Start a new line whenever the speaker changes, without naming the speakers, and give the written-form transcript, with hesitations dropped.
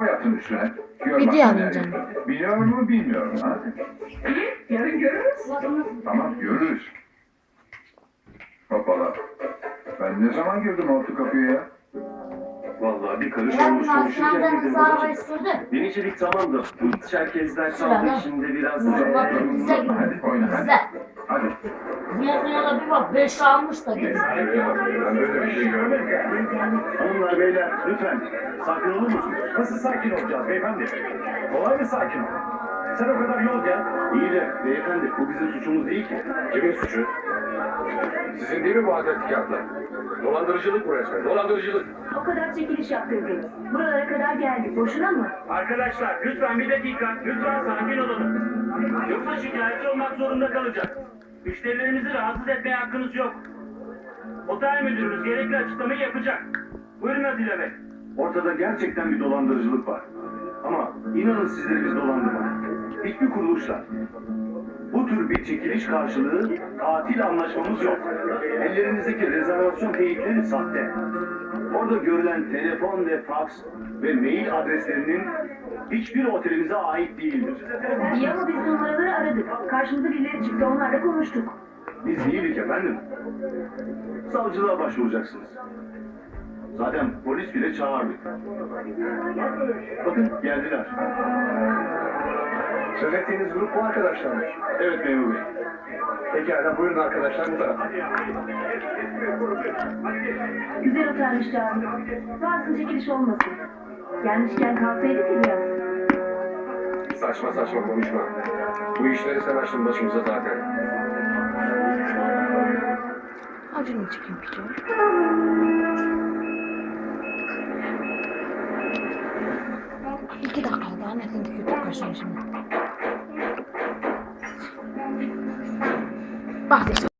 Yatın üstüne. Gör
Video
bak
alayım
nerede.
canım.
Biliyor mu bilmiyorum ha.
Yarın görürüz.
Tamam görürüz. Hoppala. Ben ne zaman girdim orta kapıya ya?
Vallahi bir karış
Ben
olmuş konuşurken
senden
girdim
sağ
babacığım.
sürdü.
Denizcilik tamamdı. Çerkezler
Sıra
kaldı
ne?
şimdi biraz.
Bak bize gibi.
Hadi oyna hadi.
Bize.
Hadi.
Mezununa bir bak 5 almış da geliyor.
Ben böyle bir şey görmedim.
Hanımlar beyler lütfen sakin olur musunuz?
Nasıl sakin olacağız beyefendi? Kolay mı sakin ol? Sen o kadar yol gel.
İyi de beyefendi bu bizim suçumuz değil ki.
Kimin suçu? Sizin değil mi bu adetli kağıtlar? Dolandırıcılık bu resmen, dolandırıcılık.
O kadar çekiliş yaptırdınız. Buralara kadar geldik. Boşuna mı?
Arkadaşlar lütfen bir dakika, lütfen sakin olalım. Yoksa şikayetçi olmak zorunda kalacak. Müşterilerimizi rahatsız etmeye hakkınız yok. Otel müdürümüz gerekli açıklamayı yapacak. Buyurun Atilla Bey.
Ortada gerçekten bir dolandırıcılık var. Ama inanın sizleri biz dolandırmadık. Hiçbir kuruluşla. Bu tür bir çekiliş karşılığı tatil anlaşmamız yok. Ellerinizdeki rezervasyon teyitleri sahte. Orada görülen telefon ve faks ve mail adreslerinin hiçbir otelimize ait değildir.
İyi ama biz numaraları aradık. Karşımıza birileri çıktı. Onlarla konuştuk.
Biz değildik efendim. Savcılığa başvuracaksınız. Zaten polis bile çağırdık. Bakın geldiler.
Söz ettiğiniz grup bu arkadaşlarmış.
Evet memur bey.
Pekala buyurun arkadaşlar bu tarafa.
Güzel otelmiş Cami. Varsın çekiliş olmasın. Gelmişken kalsaydık ya biraz.
Saçma saçma konuşma. Bu işleri sen açtın başımıza zaten.
Acını çıkayım piçe. İki dakika daha ne kadar kötü kaşın şimdi. Bak işte.